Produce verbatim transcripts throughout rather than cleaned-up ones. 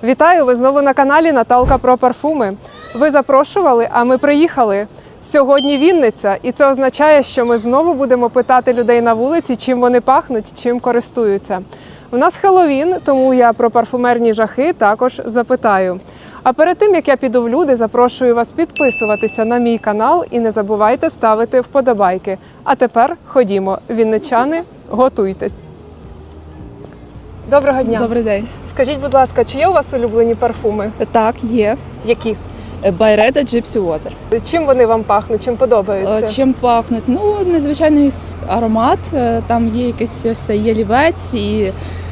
Вітаю! Ви знову на каналі Наталка про парфуми. Ви запрошували, а ми приїхали. Сьогодні Вінниця, і це означає, що ми знову будемо питати людей на вулиці, чим вони пахнуть, чим користуються. У нас Хеллоуін, тому я про парфумерні жахи також запитаю. А перед тим, як я піду в люди, запрошую вас підписуватися на мій канал і не забувайте ставити вподобайки. А тепер ходімо, вінничани, готуйтесь. Доброго дня. Добрий день. Скажіть, будь ласка, чи є у вас улюблені парфуми? Так, є. Які? Байрета Gypsy Water. Чим вони вам пахнуть, чим подобаються? Чим пахнуть? Ну, незвичайний аромат. Там є якийсь ось цей ялівець і,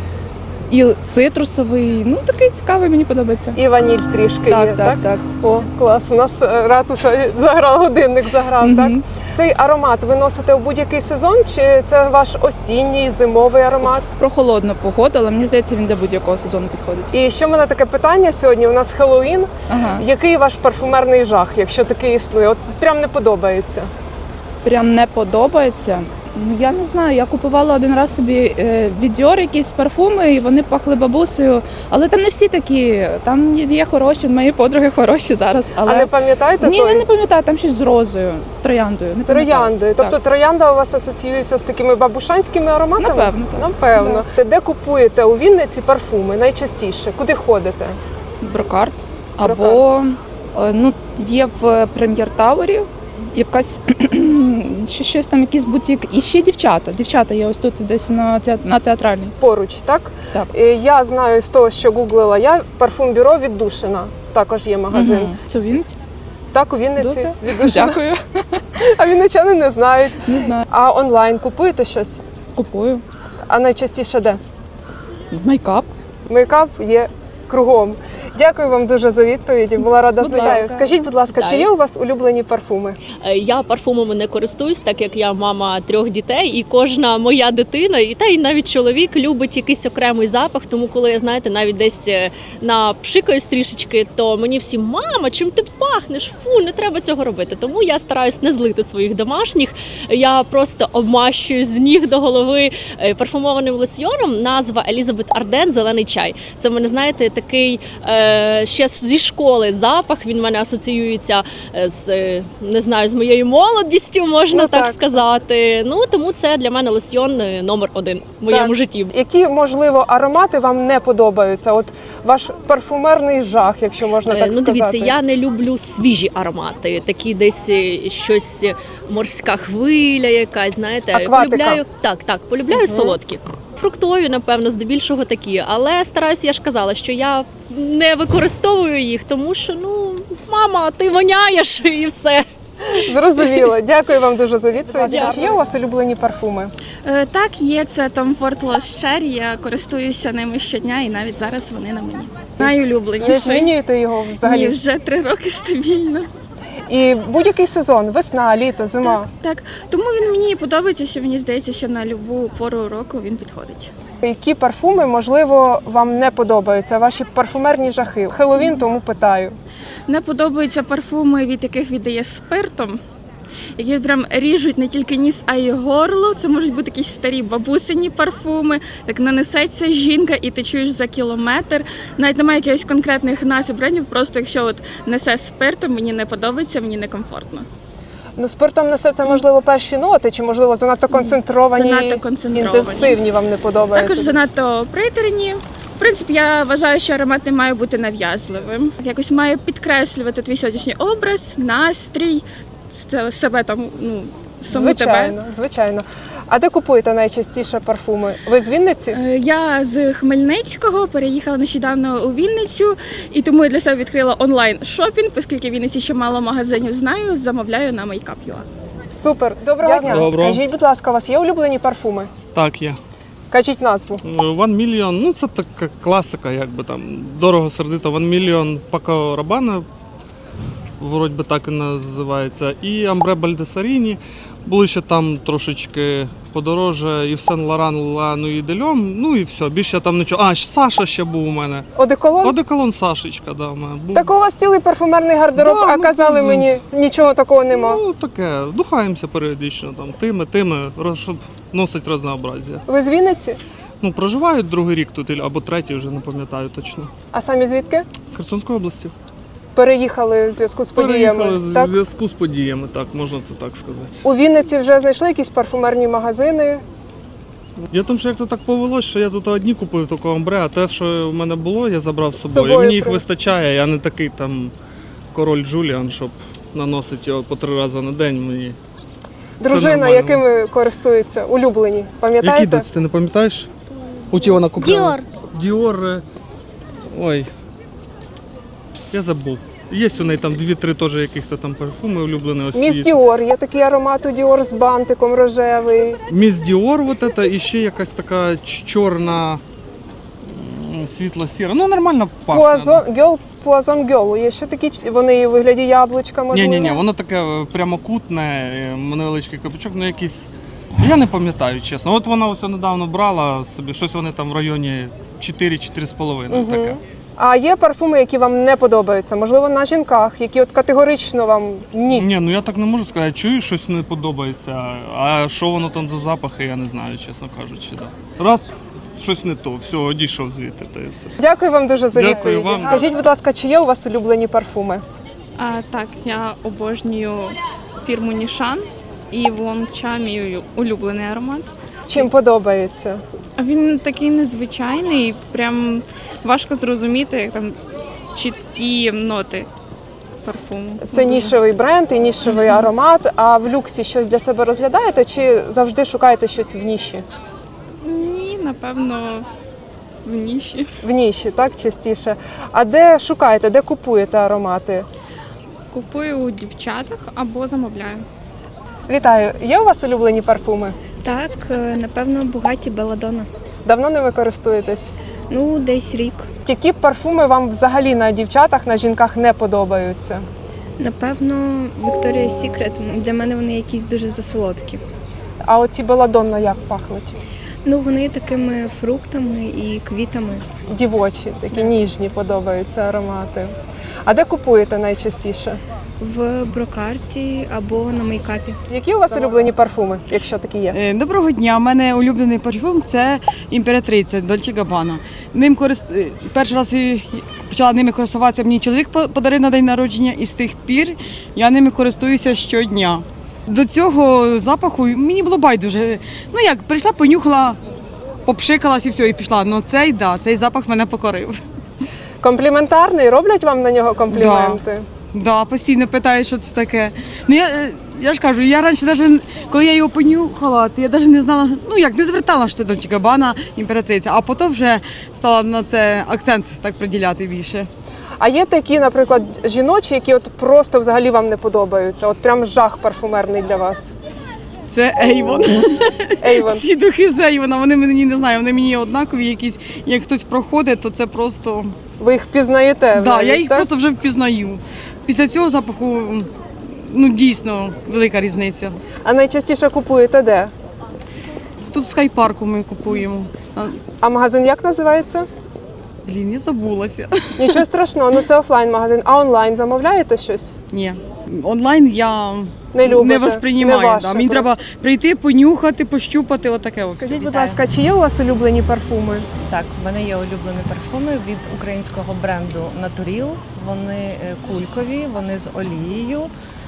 і цитрусовий. Ну, такий цікавий, мені подобається. І ваніль трішки так, є, так? Так, так. О, клас. У нас ратуша заграв, годинник заграв, Угу. так? Цей аромат ви носите у будь-який сезон, чи це ваш осінній, зимовий аромат? Про холодну погоду, але мені здається, він для будь-якого сезону підходить. І ще в мене таке питання сьогодні. У нас Хеллоуін. Ага. Який ваш парфумерний жах, якщо такий існує? От прям не подобається. Прям не подобається. Ну, я не знаю, я купувала один раз собі е, від Dior якісь парфуми, і вони пахли бабусею. Але там не всі такі, там є хороші, мої подруги хороші зараз. Але... А не пам'ятаєте Ні, той? я не пам'ятаю, там щось з розою, з трояндою. З трояндою. Тобто Так. троянда у вас асоціюється з такими бабушанськими ароматами? Напевно, так. Напевно. Де купуєте у Вінниці парфуми найчастіше? Куди ходите? Брокарт. Брокарт. Або е, ну, є в Прем'єр-Таурі якась ще щось там, якийсь бутік. І ще дівчата. Дівчата є ось тут десь на, те- на театральній. Поруч, так? Так. Е, Я знаю з того, що гуглила я, парфум-бюро «Віддушина». Також є магазин. Угу. Це у Вінниці? Так, у Вінниці Добре. «Віддушина». Дякую. А вінничани не знають. Не знаю. А онлайн купуєте щось? Купую. А найчастіше де? Майкап. Мейкап є кругом. Дякую вам дуже за відповіді. Була рада Будь знайомитися. ласка. Скажіть, будь ласка, чи Вітаю. є у вас улюблені парфуми? Я парфумами не користуюсь, так як я мама трьох дітей, і кожна моя дитина, і та й навіть чоловік любить якийсь окремий запах. Тому, коли я знаєте, навіть десь напшикаюсь трішечки, то мені всі: мама, чим ти пахнеш? Фу, не треба цього робити. Тому я стараюсь не злити своїх домашніх. Я просто обмащую з ніг до голови парфумованим лосьйоном. Назва Елізабет Арден «Зелений чай». Це в мене, знаєте, такий е, ще зі школи запах. Він в мене асоціюється з, не знаю, з моєю молодістю, можна Ну, так, так. сказати. Ну, тому це для мене лосьйон номер один в моєму Так. житті. Які, можливо, аромати вам не подобаються? От ваш парфумерний жах, якщо можна Е, так ну, сказати. дивіться, я не люблю свіжі аромати, такі десь е, щось е, морська хвиля якась, знаєте. Акватика. Полюбляю, так, так, полюбляю солодкі. Фруктові, напевно, здебільшого такі, але стараюся, я ж казала, що я не використовую їх, тому що, ну, мама, ти воняєш і все. Зрозуміло. Дякую вам дуже за відповідь. Дякую. Чи є у вас улюблені парфуми? Е, Так, є, це Tom Ford Lost Cherry, я користуюся ними щодня і навіть зараз вони на мені. Не Найулюбленіший. змінюєте його взагалі? Ні, вже три роки стабільно. І будь-який сезон, весна, літо, зима. Так, тому він мені подобається, що мені здається, що на любу пору року він підходить. Які парфуми, можливо, вам не подобаються? Ваші парфумерні жахи? Хеллоуін, тому питаю. Не подобаються парфуми, від яких віддає спиртом, які прям ріжуть не тільки ніс, а й горло. Це можуть бути якісь старі бабусині парфуми. Так нанесеться жінка і ти чуєш за кілометр. Навіть немає якихось конкретних назв брендів, просто якщо от несе спиртом, мені не подобається, мені некомфортно. Ну, спиртом несе це, можливо, перші ноти, чи, можливо, занадто концентровані, Занадто концентровані. інтенсивні вам не подобаються? Також занадто приторні. В принципі, я вважаю, що аромат не має бути нав'язливим. Якось має підкреслювати твій сьогоднішній образ, настрій, с- себе там, ну, саму Звичайно, тебе. звичайно. А де купуєте найчастіше парфуми? Ви з Вінниці? Е, Я з Хмельницького переїхала нещодавно у Вінницю, і тому я для себе відкрила онлайн-шопінг, оскільки в Вінниці ще мало магазинів знаю, замовляю на Makeup точка ю а. Супер. Доброго дня. Доброго. Скажіть, будь ласка, у вас є улюблені парфуми? Так, є. Кажіть назву. One Million, ну це така класика, якби там дорого сердито. One Million Paco Rabanne, вроді би так і називається. І Ambre Baldessarini. Були ще там трошечки подороже, і в Сен Лоран Ла Нуї де Льом, ну і все, більше там нічого. А, Саша ще був у мене. Одеколон? Одеколон Сашечка, да, у мене був. Так у вас цілий парфумерний гардероб, Да, а ну, казали ну, мені, нічого такого нема. Ну, таке, духаємося періодично, там, тими, тими, роз- щоб носить разнообразие. Ви з Вінниці? Ну, проживають другий рік тут або третій, вже не пам'ятаю точно. А самі звідки? З Херсонської області. Переїхали в зв'язку з подіями. Переїхали Так? в зв'язку з подіями, так, можна це так сказати. У Вінниці вже знайшли якісь парфумерні магазини. Я тому, що як то так повелось, що я тут одні купив тільки амбре, а те, що в мене було, я забрав з собою. собою І мені їх при- вистачає, я не такий там король Джуліан, щоб наносити його по три рази на день. Мені Дружина, нормально. якими користується, улюблені. Які Пам'ятаєте? доці, ти не пам'ятаєш? У ті вона купила. Dior. Діор. е, Ой. Я забув. Є у неї там дві-три теж яких-то там парфуми улюблені. Ось Міс є. Діор, є такий аромат у Діор з бантиком рожевий. Міс Діор, вот это, і ще якась така ч- чорна, м, світло-сіра. Ну, нормально пахне. Пуазон, гьол, пуазон гьол. Є ще такі, ч- вони у вигляді яблучка, можливо. Ні, ні, ні, воно таке е, прямокутне, е, невеличкий капючок, ну якийсь. Я не пам'ятаю, чесно. От вона ось недавно брала собі, щось вони там в районі чотири-чотири з половиною таке. А є парфуми, які вам не подобаються? Можливо, на жінках, які от категорично вам ні. Ні, ну я так не можу сказати, чую, щось не подобається, а що воно там за запахи, я не знаю, чесно кажучи. Да. Раз, щось не то, все, одійшов звідти, та і все. Дякую вам дуже за Дякую відповіді. вам. Скажіть, будь ласка, чи є у вас улюблені парфуми? А, так, я обожнюю фірму Нішан і Волонча мій улюблений аромат. Чим подобається? А він такий незвичайний, прям важко зрозуміти, як там чіткі ноти парфуму. Це Дуже. нішевий бренд і нішевий аромат. А в люксі щось для себе розглядаєте чи завжди шукаєте щось в ніші? Ні, напевно, в ніші. В ніші, так, частіше. А де шукаєте, де купуєте аромати? Купую у дівчатах або замовляю. Вітаю! Є у вас улюблені парфуми? Так, е, напевно, Бугаті Белладонна. Давно ними користуєтесь? Ну, десь рік. Які парфуми вам взагалі на дівчатах, на жінках не подобаються? Напевно, Victoria's Secret. Для мене вони якісь дуже засолодкі. А оці Белладонна як пахнуть? Ну, вони такими фруктами і квітами. Дівочі, такі ніжні подобаються аромати. А де купуєте найчастіше? В брокарті або на мейкапі. Які у вас улюблені парфуми, якщо такі є? Е, Доброго дня. У мене улюблений парфюм це імператриця Dolce Gabbana. Ним корист... е, перший раз і почала ними користуватися. Мені чоловік по- подарив на день народження, і з тих пір я ними користуюся щодня. До цього запаху мені було байдуже. Ну як, прийшла, понюхала, попшикалась і все, і пішла. Ну цей, да, цей запах мене покорив. Компліментарний? Роблять вам на нього компліменти? Да, постійно питають, що це таке. Ну я, е, я ж кажу, я раніше навіть, коли я його понюхала, то я навіть не знала, ну як не звертала, що це Dolce Gabbana, імператриця, а потім вже стала на це акцент так приділяти більше. А є такі, наприклад, жіночі, які от просто взагалі вам не подобаються? От прям жах парфумерний для вас. Це Avon. Avon. Всі духи з Avon, вони мені не знаю, вони мені однакові якісь. Як хтось проходить, то це просто. Ви їх впізнаєте? Да, навіть, я їх так? просто вже впізнаю. Після цього запаху ну дійсно велика різниця. А найчастіше купуєте де? Тут з Хайпарку ми купуємо. А, А магазин як називається? Блін, я забулася. Нічого страшного, ну це офлайн-магазин. А онлайн замовляєте щось? Ні. Онлайн я Не любите, не восприймаю. не ваше да. Мені просто. треба прийти, понюхати, пощупати, отаке. от все. Скажіть, будь ласка, чи є у вас улюблені парфуми? Так, в мене є улюблені парфуми від українського бренду Naturil. Вони е, кулькові, вони з олією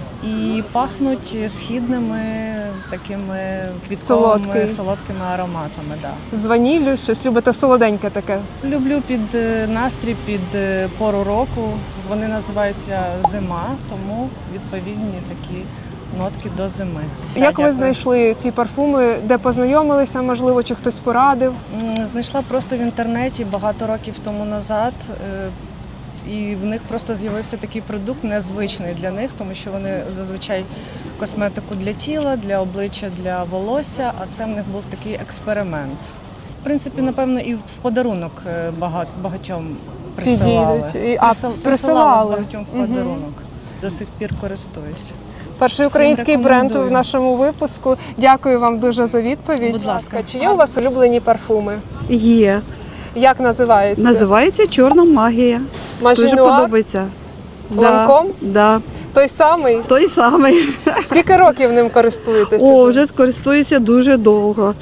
і пахнуть східними такими квітковими Солодкий. солодкими ароматами. Да. З ваніллю, щось любите солоденьке таке? Люблю під е, настрій, під е, пору року. Вони називаються зима, тому відповідні такі нотки до зими. Як Так, ви дякую. знайшли ці парфуми, де познайомилися, можливо, чи хтось порадив? М, Знайшла просто в інтернеті багато років тому назад. е, І в них просто з'явився такий продукт незвичний для них, тому що вони зазвичай косметику для тіла, для обличчя, для волосся, а це в них був такий експеримент. В принципі, напевно, і в подарунок е, бага- багатьом присилали. Підійдуть. І- а, Присил- присилали. присилали багатьом в Мгм. подарунок. До сих пір користуюсь. Перший Всім український бренд рекомендую. в нашому випуску. Дякую вам дуже за відповідь. Будь ласка. Чи є у вас улюблені парфуми? Є. Як називається? Називається Чорна магія. Дуже Мажінуар? подобається. Ланком? Да, Той самий? той самий. Скільки років ним користуєтеся? О, вже користуюся дуже довго.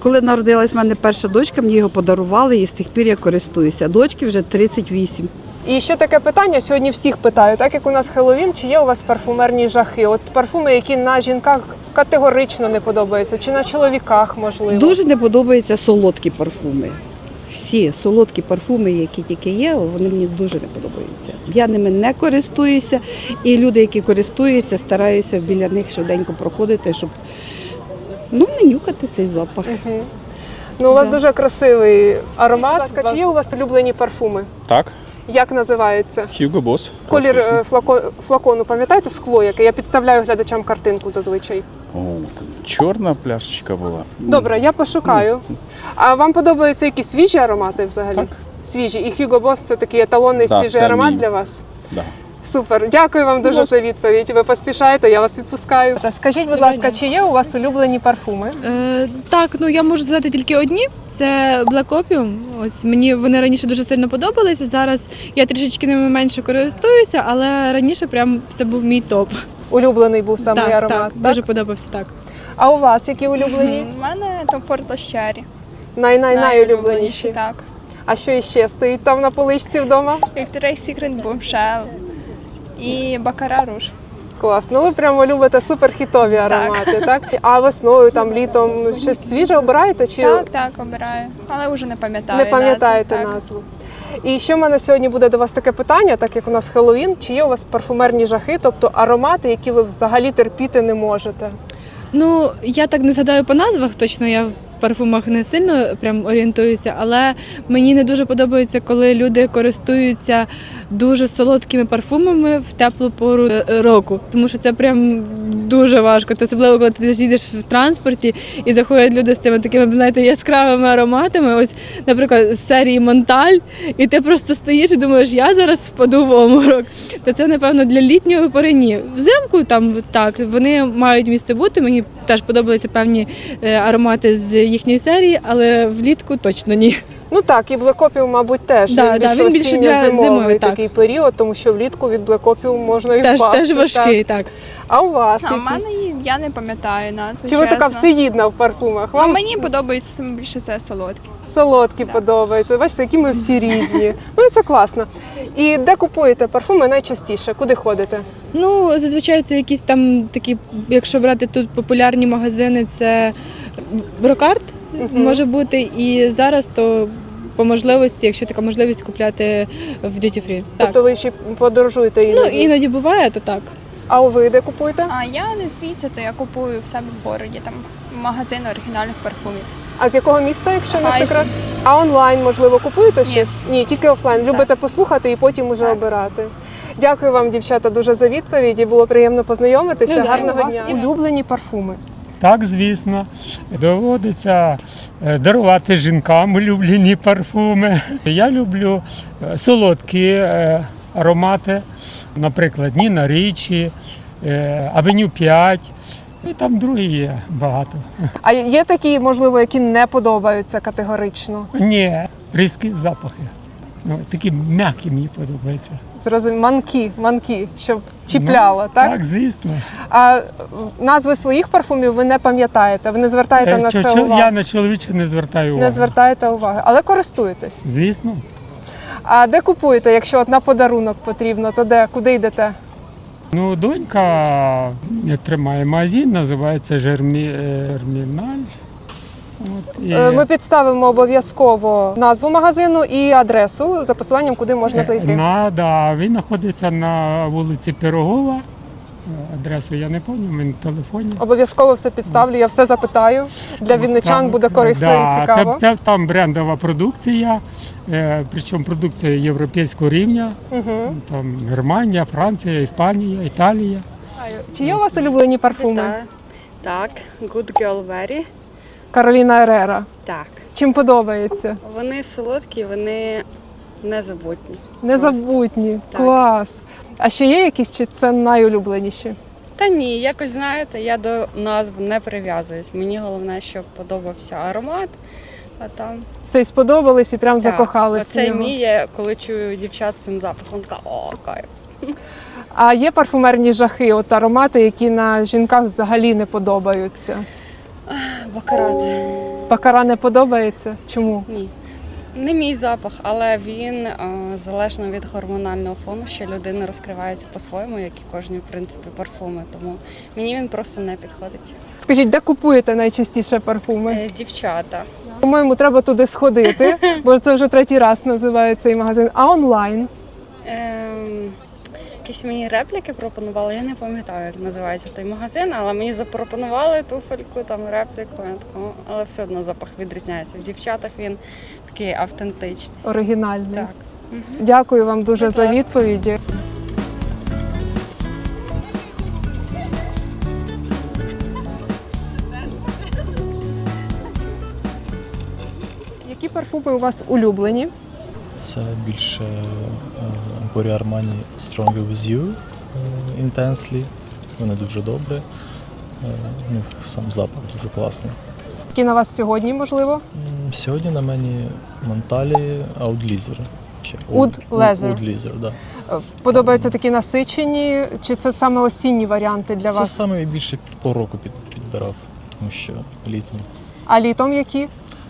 Коли народилась в мене перша дочка, мені його подарували і з тих пір я користуюся. Дочки вже тридцять вісім. І ще таке питання, сьогодні всіх питаю, так як у нас Хеллоуін, чи є у вас парфумерні жахи? От парфуми, які на жінках категорично не подобаються, чи на чоловіках, можливо? Дуже не подобаються солодкі парфуми. Всі солодкі парфуми, які тільки є, вони мені дуже не подобаються. Я ними не користуюся, і люди, які користуються, стараюся біля них швиденько проходити, щоб ну, не нюхати цей запах. Угу. Ну, у вас Да. дуже красивий аромат. Чи є у вас улюблені парфуми? Так, Як називається? Hugo Boss. Колір Класичний. е, флако, флакону, пам'ятаєте, скло, яке? Я підставляю глядачам картинку зазвичай. О, там чорна пляшечка була. Добре, я пошукаю. А вам подобаються якісь свіжі аромати взагалі? Так. Свіжі. І Hugo Boss – це такий еталонний Да, свіжий це аромат мій. для вас? Да. Супер. Дякую вам дуже за відповідь. Ви поспішаєте, я вас відпускаю. Скажіть, будь ласка, чи є у вас улюблені парфуми? Е, так, ну я можу сказати тільки одні. Це Black Opium. Ось мені вони раніше дуже сильно подобалися. Зараз я трішечки ними менше користуюся, але раніше прям це був мій топ. Улюблений був саме так, аромат, так, так? дуже подобався так. А у вас які улюблені? У мене то Портощарі. Най-най-найулюбленіші. Так. А що іще стоїть там на поличці вдома? Victoria's Secret Bombshell і Бакара Руж. Клас. Ну ви прямо любите суперхітові аромати, так? А весною, там, літом щось свіже обираєте? Чи Так, так, обираю. Але вже не пам'ятаю. не пам'ятаєте назви, так. назву? І ще в мене сьогодні буде до вас таке питання, так як у нас Хеллоуін, чи є у вас парфумерні жахи, тобто аромати, які ви взагалі терпіти не можете? Ну, я так не згадаю по назвах, точно я в парфумах не сильно прям орієнтуюся, але мені не дуже подобається, коли люди користуються дуже солодкими парфумами в теплу пору е, року, тому що це прям дуже важко. Ти особливо, коли ти їдеш в транспорті і заходять люди з цими такими, знаєте, яскравими ароматами, ось, наприклад, з серії Монталь, і ти просто стоїш і думаєш, я зараз впаду в оморок. То це, напевно, для літньої пори ні. Взимку там так, вони мають місце бути, мені теж подобаються певні е, аромати з їхньої серії, але влітку точно ні. Ну так, і Black Opium, мабуть, теж. Да, він да, більш він більше для осінньо-зимовий зимовий, так. такий період, тому що влітку від Black Opium можна і Теж, впасти. теж важкий, Так. так. А у вас А в якісь? мене є- я не пам'ятаю назву. Чи ви така чесно. всеїдна в парфумах? Ну, Вам мені подобається саме більше це солодкі. солодкі подобаються. Бачите, які ми всі різні. Ну і це класно. І де купуєте парфуми найчастіше? Куди ходите? Ну, зазвичай це якісь там такі, якщо брати тут популярні магазини, це Брокарт може бути. І зараз то по можливості, якщо така можливість, купляти в Duty Free. Так. Тобто ви ще подорожуєте Ну, іноді? іноді буває, то так. А ви де купуєте? А я не звідси, то я купую в себе в городі, там магазин оригінальних парфумів. А з якого міста, якщо не Хайсен. секрет? А онлайн, можливо, купуєте Ні. щось? Ні, тільки офлайн. Любите послухати і потім уже Так. обирати. Дякую вам, дівчата, дуже за відповіді. Було приємно познайомитися. Навзаєм. Гарного У вас дня. є? Улюблені парфуми. Так, звісно, доводиться е, дарувати жінкам улюблені парфуми. Я люблю е, солодкі е, аромати, наприклад, Ніна Річі, е, Авеню п'ять, і там другі є багато. А є такі, можливо, які не подобаються категорично? Ні, різкі запахи. Ну, такі м'які мені подобаються. Зрозуміло, манки, манки, щоб чіпляло, Ну, так? Так, звісно. А назви своїх парфумів ви не пам'ятаєте, ви не звертаєте Е, на чо- це чо- увагу? Я на чоловіче не звертаю увагу. Не звертаєте уваги, але користуєтесь. Звісно. А де купуєте, якщо от на подарунок потрібно, то де, куди йдете? Ну, донька тримає магазин, називається Жермі... е, Жерміналь. От, і... Е, Ми підставимо обов'язково назву магазину і адресу за посиланням, куди можна зайти. На, да, він знаходиться на вулиці Пирогова. Е, Адресу я не пам'ятаю, він в телефоні. Обов'язково все підставлю, я все запитаю. Для вінничан Там, буде корисно да, і цікаво. Це, це там брендова продукція, е, причому продукція європейського рівня. Угу. Там Германія, Франція, Іспанія, Італія. Чи є у вас улюблені парфуми? Так, Good Girl Very. Кароліна Ерера. Так. Чим подобається? Вони солодкі, вони незабутні. Незабутні. Так. Клас. А ще є якісь, чи це найулюбленіші? Та ні, якось знаєте, я до назв не прив'язуюсь. Мені головне, щоб подобався аромат, а там Цей сподобались і прям так, закохались в оцей нього. мій, я коли чую дівчат з цим запахом, така о, кайф. А є парфумерні жахи, от аромати, які на жінках взагалі не подобаються? Бакарат. Бакара не подобається? Чому? Ні. Не мій запах, але він е, залежно від гормонального фону, що людина розкривається по-своєму, як і кожні, в принципі, парфуми. Тому мені він просто не підходить. Скажіть, де купуєте найчастіше парфуми? Е, дівчата. По-моєму, треба туди сходити, бо це вже третій раз називає цей магазин. А онлайн? Ем, якісь мені репліки пропонували, я не пам'ятаю, як називається той магазин, але мені запропонували туфельку, там репліку, я така, але все одно запах відрізняється. В дівчатах він такий автентичний. Оригінальний. Так. Дякую вам дуже Будь за ласка. відповіді. Які парфуми у вас улюблені? Це більше Emporio Armani Stronger With You е, Intensely. Вони дуже добрі. Е, У них сам запах дуже класний. Які на вас сьогодні, можливо? М, Сьогодні на мені Монталі Oud Leather. Чи Oud Leather. Oud Leather, да. Подобаються такі насичені, чи це саме осінні варіанти для Це вас? саме більше по року під, підбирав, тому що літом. А літом які?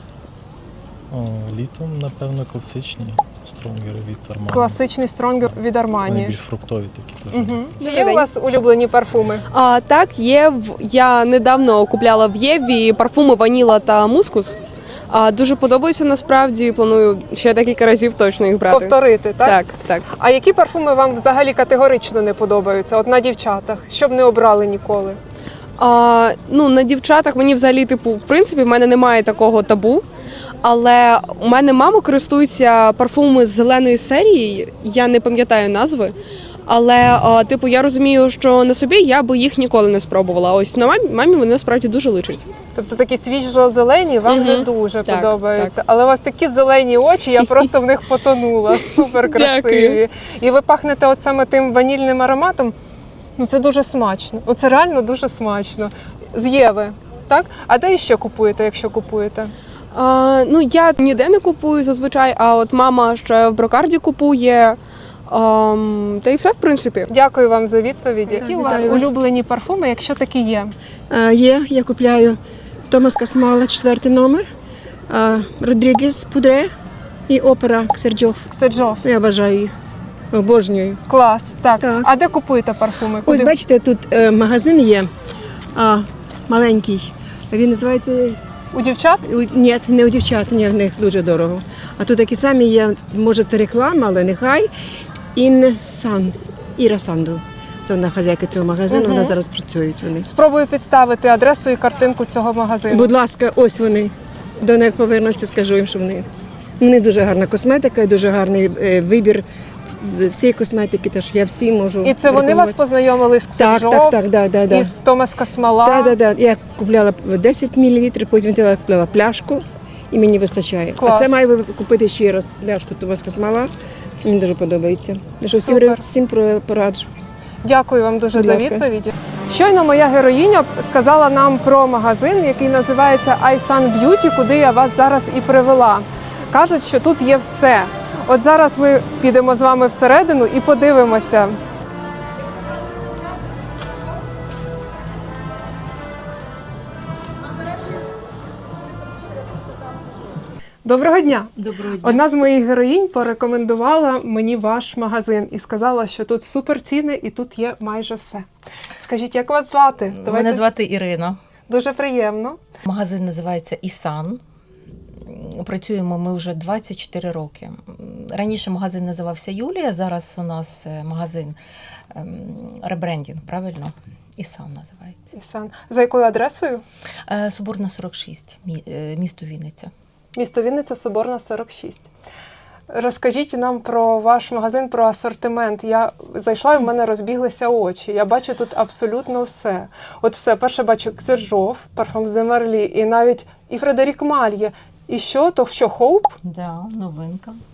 О, літом, напевно, класичні Stronger від Armani. Класичний стронгер від Вони Armani. більш фруктові такі теж. Угу. Чи є у вас улюблені парфуми? А, так, є. В- Я недавно купляла в Єві парфуми ваніла та мускус. А, дуже подобаються насправді. Планую ще декілька разів точно їх брати. Повторити, так? Так, так. А які парфуми вам взагалі категорично не подобаються? От на дівчатах, щоб не обрали ніколи? А, ну, на дівчатах мені взагалі, типу, в принципі, в мене немає такого табу. Але у мене мама користується парфумами з зеленої серії, я не пам'ятаю назви. Але, а, типу, я розумію, що на собі я би їх ніколи не спробувала. Ось на мамі, мамі вони насправді дуже личать. Тобто такі свіжо-зелені вам Мгм. не дуже Так, подобаються. Але у вас такі зелені очі, я просто в них потонула. Супер красиві. Дякую. І ви пахнете от саме тим ванільним ароматом. Ну це дуже смачно. Оце реально дуже смачно. З Єви, так? А де іще купуєте, якщо купуєте? А, ну, я ніде не купую зазвичай, а от мама ще в брокарді купує. Ам, та й все, в принципі. Дякую вам за відповіді. Які у вас вітаю вас. улюблені парфуми, якщо такі є? Е, Є, я купляю Томас Касмала, четвертий номер, е, Родрігес Пудре і опера Ксерджов. Ксерджов. Я бажаю їх. Обожнюю. Клас. Так. Так. А де купуєте парфуми? Ось Куди? бачите, тут е, магазин є а, маленький. Він називається. У дівчат? У- Ні, не у дівчат, ні, в них дуже дорого. А тут такі самі є, може це реклама, але нехай. Інсан, Іра Санду. Це вона хазяйка цього магазину, Мгм. вона зараз працює у них. Спробую підставити адресу і картинку цього магазину. Будь ласка, ось вони. До них повернуся, скажу їм, що вони. Вони дуже гарна косметика і дуже гарний е, вибір всієї косметики. Теж я всі можу. І це вони вас рекомендувати. познайомили з Так, Ксерджов, так, так, да, да, да. із Томас Касмала. Так, так, так. Я купляла десять мілілітрів, потім взяла купляла пляшку і мені вистачає. Клас. А це маю купити ще раз пляшку Томас Касмала. Мені дуже подобається. Що всім, Супер. всім про- пораджу. Дякую вам дуже Будь за ласка. відповіді. Щойно моя героїня сказала нам про магазин, який називається iSun Beauty, куди я вас зараз і привела. Кажуть, що тут є все. От зараз ми підемо з вами всередину і подивимося. Доброго дня! Доброго дня. Одна з моїх героїнь порекомендувала мені ваш магазин і сказала, що тут супер ціни і тут є майже все. Скажіть, як вас звати? Мене звати Ірина. Дуже приємно. Магазин називається Ісан. Працюємо ми вже двадцять чотири роки. Раніше магазин називався Юлія, зараз у нас магазин ем, ребрендінг, правильно? Ісан називається. Ісан. За якою адресою? Е, Соборна сорок шість, мі- е, місто Вінниця. Місто Вінниця, Соборна, сорок шість. Розкажіть нам про ваш магазин, про асортимент. Я зайшла і в мене розбіглися очі. Я бачу тут абсолютно все. От все, перше бачу Ксерджов, Parfums de Marly, і навіть і Фредерік Маль є. І що? То що, Хоуп? Да, новинка.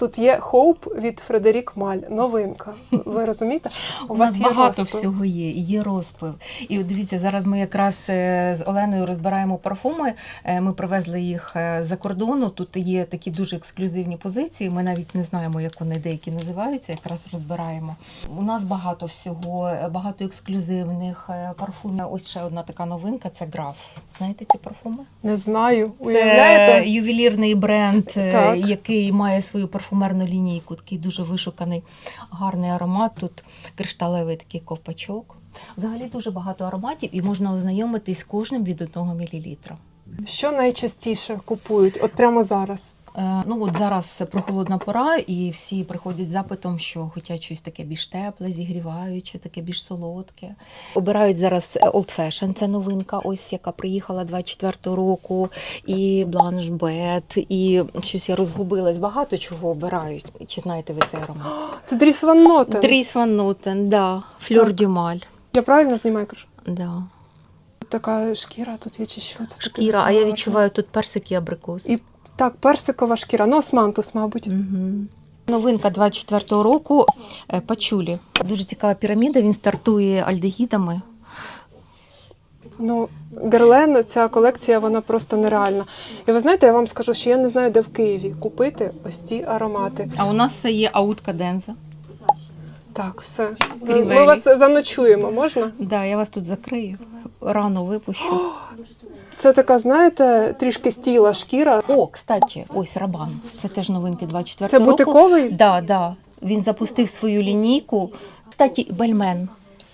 тут є Хоуп від Фредерік Маль, новинка. Ви розумієте? У, У нас вас є багато розпил. всього є, і є розпив. І от дивіться, зараз ми якраз е, з Оленою розбираємо парфуми. Е, Ми привезли їх е, за кордону. Тут є такі дуже ексклюзивні позиції. Ми навіть не знаємо, як вони деякі називаються. Якраз розбираємо. У нас багато всього, е, багато ексклюзивних е, парфумів. Ось ще одна така новинка – це Граф. Знаєте ці парфуми? Не знаю. Це Уявляєте? ювелірний бренд, е, Так. який має свою парфумерну лінійку, такий дуже вишуканий, гарний аромат. Тут кришталевий такий ковпачок. Взагалі дуже багато ароматів і можна ознайомитись з кожним від одного мілілітра. Що найчастіше купують? От прямо зараз. Е, Ну от зараз прохолодна пора, і всі приходять з запитом, що хочуть щось таке більш тепле, зігріваюче, таке більш солодке. Обирають зараз Old Fashion, це новинка, ось яка приїхала двадцять четвертого року, і Blanche Bed, і щось я розгубилась, багато чого обирають. Чи знаєте ви цей аромат? Це Дріс Ван Нотен. Дріс Ван Нотен, да, Флёр Так. дю Маль. Я правильно знімаю, кажу? Да. Тут така шкіра, тут є чи що? Це таке Шкіра, а я гарне. відчуваю тут персик і абрикос. І так, персикова шкіра, ну османтус, мабуть. Угу. Новинка двадцять четвертого року е, пачулі. Дуже цікава піраміда, він стартує альдегідами. Ну, Герлен, ця колекція, вона просто нереальна. І ви знаєте, я вам скажу, що я не знаю, де в Києві купити ось ці аромати. А у нас це є Аут Каденза. Так, все. Крівелі. Ми вас заночуємо, можна? Да, я вас тут закрию. Рано випущу. Це така, знаєте, трішки стіла шкіра. О, кстати, ось Рабан. Це теж новинки двадцять Це четвертого року. бутиковий? Да, да. Він запустив свою лінійку. Кстати, Бельмен.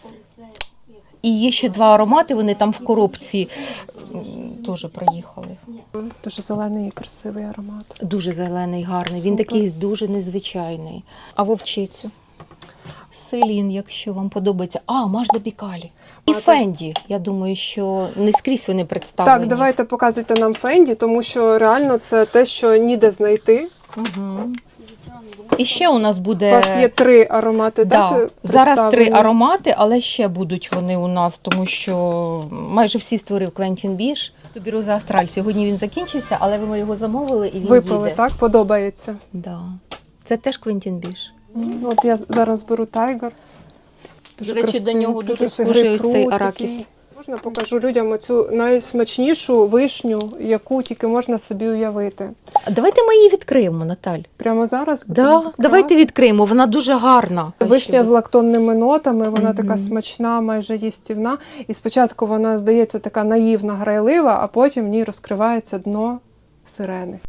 І є ще два аромати, вони там в коробці м, теж приїхали. Дуже зелений і красивий аромат. Дуже зелений, гарний. Він Супер. такий дуже незвичайний. А вовчицю? Селін, якщо вам подобається. А, Мажда Бікалі. І А, так. Фенді. Я думаю, що не скрізь вони представлені. Так, давайте показуйте нам Фенді, тому що реально це те, що ніде знайти. Угу. І ще у нас буде... У вас є три аромати, Да. так? Зараз три представлені? аромати, але ще будуть вони у нас, тому що майже всі створив Квентін Біш. Тубіроза Астраль. Сьогодні він закінчився, але ми його замовили і він Випили, їде. так? Подобається. Да. Це теж Квентін Біш. От я зараз беру Тайгер. Дуже До речі, красивий, до нього дуже цитрусовий, схожий грейпфрут цей такий. аракіс. Можна покажу людям оцю найсмачнішу вишню, яку тільки можна собі уявити. Давайте ми її відкриємо, Наталь. Прямо зараз? Да, будемо відкривати? давайте відкриємо, вона дуже гарна. Вишня з лактонними нотами, вона Мгм. така смачна, майже їстівна. І спочатку вона, здається, така наївна, грайлива, а потім в ній розкривається дно сирени.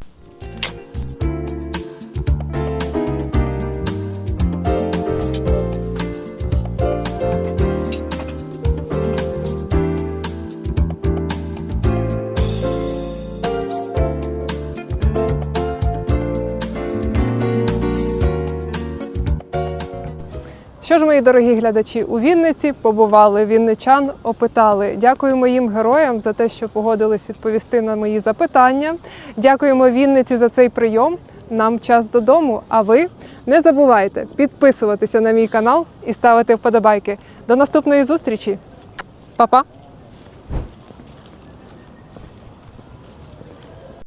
Що ж, мої дорогі глядачі, у Вінниці побували, вінничан опитали. Дякуємо їм героям за те, що погодились відповісти на мої запитання. Дякуємо Вінниці за цей прийом. Нам час додому, а ви не забувайте підписуватися на мій канал і ставити вподобайки. До наступної зустрічі. Па-па!